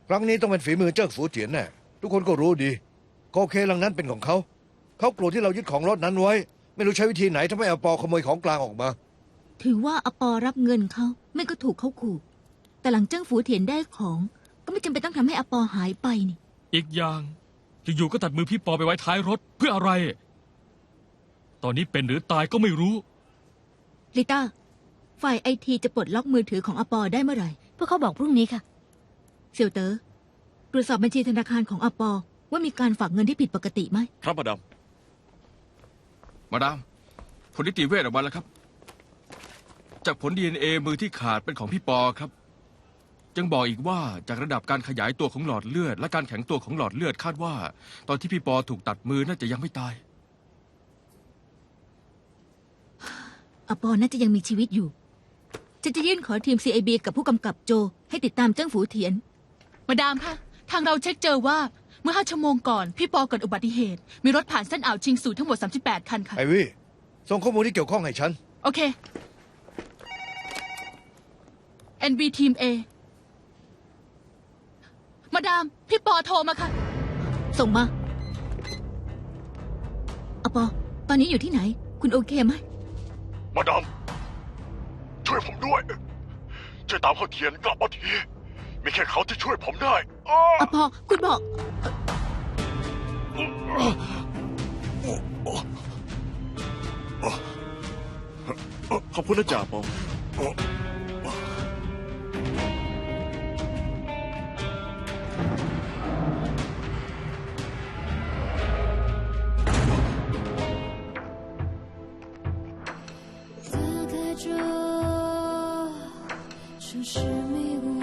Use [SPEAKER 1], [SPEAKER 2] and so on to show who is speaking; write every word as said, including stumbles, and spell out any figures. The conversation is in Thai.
[SPEAKER 1] ครั้งนี้ต้องเป็นฝีมือเจิ้งฝูเจียนแน่ทุกคนก็รู้ดีโกเคลังนั้นเป็นของเขาเขาโกรธที่เรายึดของรถนั้นไว้ ไม่รู้ใช้วิธีไหนทำให้อปอขโมยของกลางออกมา
[SPEAKER 2] ถือว่าอปอรับเงินเขาไม่ก็ถูกเขาขู่แต่หลังเจิ้งฝูเถียนได้ของ ก็ไม่จำเป็นต้องทำให้อปอหายไปนี่
[SPEAKER 3] อีกอย่างอยู่ๆก็ตัดมือพี่ปอไปไว้ท้ายรถเพื่ออะไร ตอนนี้เป็นหรือตายก็ไม่รู้
[SPEAKER 2] ลิต้าฝ่ายไอทีจะปลดล็อกมือถือของอปอได้เมื่อไหร่
[SPEAKER 4] พวกเขาบอกพรุ่งนี้ค่ะ
[SPEAKER 2] เสี่ยวเต๋อตรวจสอบบัญชีธนาคารของอปอว่ามีการฝากเงินที่ผิดปกติไหม
[SPEAKER 5] ครับมาดาม
[SPEAKER 6] มาดามผลนิติเวชออกมาแล้วครับ จากผล ดี เอ็น เอ มือที่ขาดเป็นของพี่ปอครับยังบอกอีกว่าจากระดับการขยายตัวของหลอดเลือดและการแข็งตัวของหลอดเลือดคาดว่า ตอนที่พี่ปอถูกตัดมือน่าจะยังไม่ตาย
[SPEAKER 2] อปอน่าจะยังมีชีวิตอยู่จะจะยื่นขอทีม ซี ไอ บี กับผู้กำกับโจให้ติดตามเจิ้งฝูเถียน
[SPEAKER 7] มาดามคะทางเราเช็คเจอว่าเมื่อห้าชั่วโมงก่อน พี่ปอเกิดอุบัติเหตุ มีรถผ่านเส้นอ่าวชิงสูทั้งหมดสามสิบแปดคันค่ะ
[SPEAKER 1] ไอวี่ส่งข้อมูลที่เกี่ยวข้องให้ฉัน
[SPEAKER 7] โอเค เอ็น บี ทีม A มาดาม พี่ปอโทรมาค่ะ
[SPEAKER 2] ส่งมาอปอตอนนี้อยู่ที่ไหน คุณโอเคไหม
[SPEAKER 5] มาดามช่วยผมด้วยช่วยตามเขาเทียนกลับมาทีมีแค่เขาที่ช่วยผมได้อ้อ
[SPEAKER 2] อปอคุณบอก
[SPEAKER 5] ขอบคุณนะจ่าปอง
[SPEAKER 8] 隔开这城市迷雾。